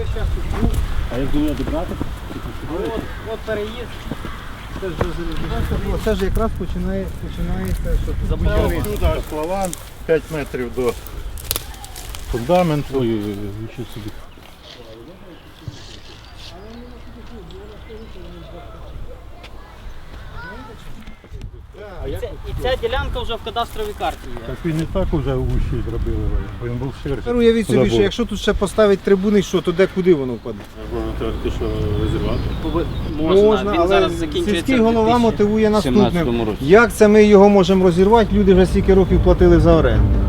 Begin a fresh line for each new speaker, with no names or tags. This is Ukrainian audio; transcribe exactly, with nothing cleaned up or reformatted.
час тут був.
А як до нього добрати?
От, от переїзд. Це ж, це ж якраз починає, починається, що тут
Забрали.
Туди аж плаван, п'ять метрів до фундаменту.
Ой-ой-ой, нічого собі.
І ця, і ця ділянка вже в кадастровій карті є.
Так він і так уже ущий зробили, бо він був ширший.
Уявіть собі,
Забор.
що якщо тут ще поставить трибуни, що, то де куди воно впаде?
Воно треба ти що розірвати?
Можна,
він
але
зараз закінчується
сільський
в
голова мотивує
дві тисячі сімнадцятому
наступним.
році.
Як це ми його можемо розірвати? Люди вже стільки років платили за оренду.